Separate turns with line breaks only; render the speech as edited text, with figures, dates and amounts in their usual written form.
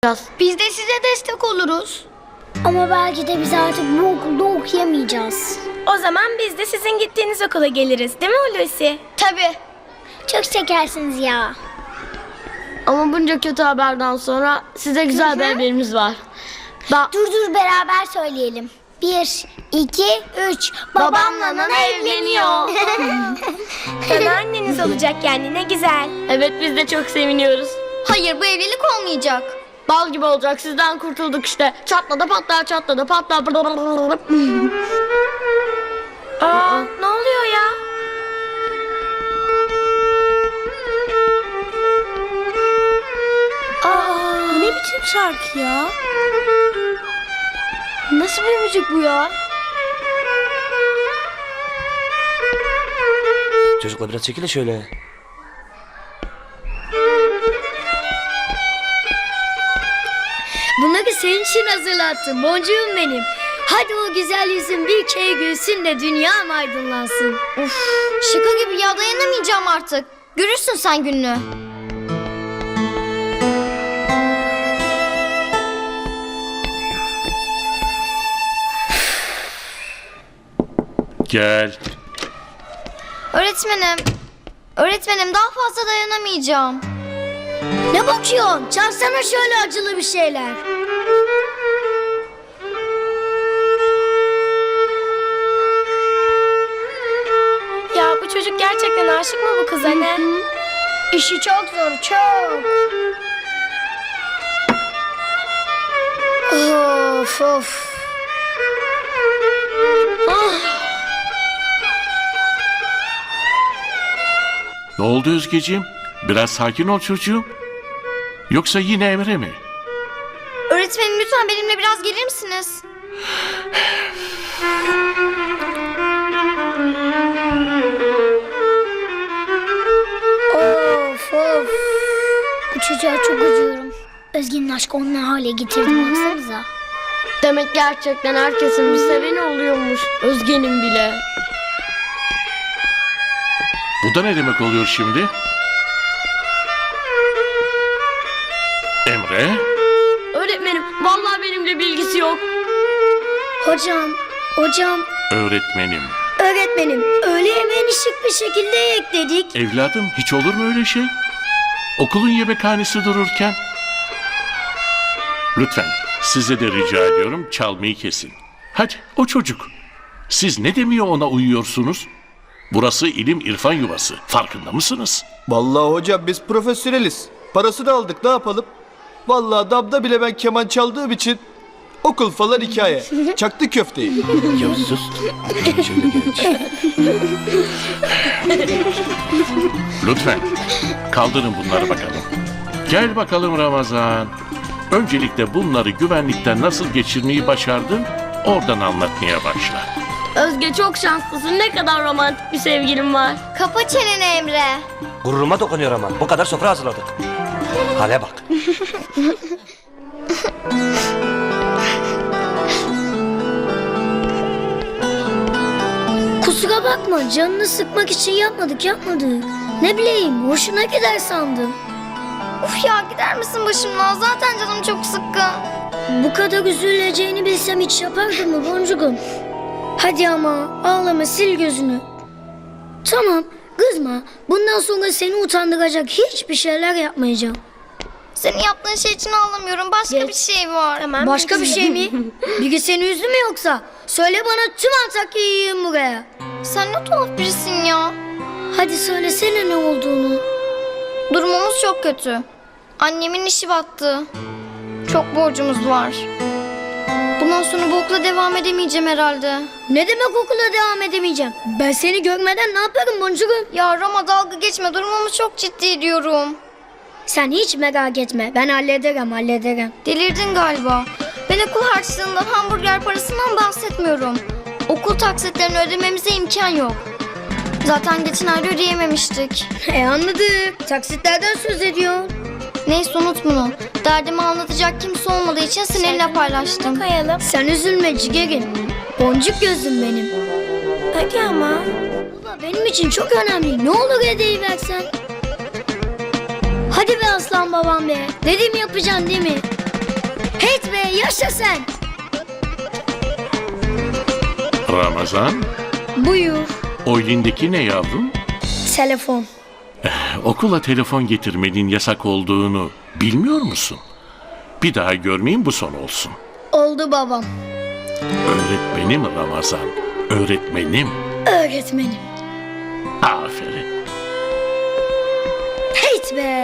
Biz de size destek oluruz.
Ama belki de biz artık bu okulda okuyamayacağız.
O zaman biz de sizin gittiğiniz okula geliriz, değil mi Hulusi?
Tabii.
Çok şekersiniz ya.
Ama bunca kötü haberden sonra size güzel bir haberimiz var.
Dur beraber söyleyelim. 1, 2, 3. Babamla Nana evleniyor.
Nana anneniz olacak yani, ne güzel.
Evet, biz de çok seviniyoruz.
Hayır, bu evlilik olmayacak.
Bal gibi olacak, sizden kurtulduk işte. Çatladı patlar, çatladı patlar.
Aa, ne oluyor ya? Aa, ne biçim şarkı ya?
Nasıl bir müzik bu ya?
Çocuklar biraz çekilin şöyle.
Bunları senin için hazırlattım boncuğum benim. Hadi o güzel yüzün bir kere gülsün de dünyam aydınlansın.
Uf, şaka gibi ya, dayanamayacağım artık. Görürsün sen gününü.
Gel.
Öğretmenim daha fazla dayanamayacağım.
Ne bakıyorsun? Çalsana şöyle acılı bir şeyler.
Ya bu çocuk gerçekten aşık mı bu kıza ne?
İşi çok zor, çok.
Of.
Ne oldu Özgeciğim? Biraz sakin ol çocuğum. Yoksa yine Emre mi?
Öğretmenim lütfen benimle biraz gelir misiniz?
Of. Bu çocuğa çok acıyorum. Özge'nin aşkı onu ne hale getirdi baksanıza.
Demek gerçekten herkesin bir seveni oluyormuş. Özge'nin bile.
Bu da ne demek oluyor şimdi? Emre?
Öğretmenim, vallahi benimle bilgisi yok.
Hocam.
Öğretmenim.
Öğretmenim, öğle yemeğini şık bir şekilde ekledik.
Evladım, hiç olur mu öyle şey? Okulun yemekhanesi dururken. Lütfen size de rica ediyorum, çalmayı kesin. Hadi o çocuk. Siz ne demiyor ona uyuyorsunuz? Burası ilim irfan yuvası. Farkında mısınız?
Vallahi hocam biz profesyoneliz. Parasını aldık, ne yapalım? Vallahi damda bile ben keman çaldığım için okul falan hikaye. Çaktı köfteyi.
Ya sus. Şöyle geç.
Lütfen kaldırın bunları bakalım. Gel bakalım Ramazan. Öncelikle bunları güvenlikten nasıl geçirmeyi başardın? Oradan anlatmaya başla.
Özge çok şanslısın. Ne kadar romantik bir sevgilim var.
Kapa çeneni Emre.
Gururuma dokunuyor ama. Bu kadar sofra hazırladık. Hale bak.
Kusura bakma, canını sıkmak için yapmadık. Ne bileyim, hoşuna gider sandım.
Uf ya, gider misin başımdan? Zaten canım çok sıkkın.
Bu kadar üzüleceğini bilsem hiç yapardım mı boncuğum? Hadi ama ağlama, sil gözünü. Tamam, kızma. Bundan sonra seni utandıracak hiçbir şeyler yapmayacağım.
Senin yaptığın şey için ağlamıyorum. Başka bir şey var.
Tamam.
Başka bir şey mi? Biri seni üzdü mü yoksa? Söyle bana, tüm Antakya'yı yiyeyim buraya.
Sen ne tuhaf birisin ya.
Hadi söylesene ne olduğunu.
Durumumuz çok kötü. Annemin işi battı. Çok borcumuz var. Bundan sonra bu okula devam edemeyeceğim herhalde.
Ne demek okula devam edemeyeceğim? Ben seni görmeden ne yaparım boncuğum?
Ya Rama, dalga geçme. Durumumuz çok ciddi diyorum.
Sen hiç merak etme. Ben hallederim.
Delirdin galiba. Ben okul harçlığından, hamburger parasından bahsetmiyorum. Okul taksitlerini ödememize imkan yok. Zaten geçen ay ödeyememiştik.
Anladık. Taksitlerden söz ediyorsun.
Neyse, unut bunu. Derdimi anlatacak kimse olmadığı için seninle paylaştım.
Kayalım.
Sen üzülme cigerim. Boncuk gözüm benim.
Hadi ama.
Baba benim için çok önemli. Ne olur hediye versen. Hadi be aslan babam be. Dedim yapacaksın değil mi? Heyt be yaşa sen.
Ramazan,
Buyur.
o elindeki ne yavrum?
Telefon.
Okula telefon getirmenin yasak olduğunu bilmiyor musun? Bir daha görmeyeyim, bu son olsun.
Oldu babam.
Öğretmenim Ramazan, öğretmenim.
Öğretmenim.
Aferin.
Heyt be.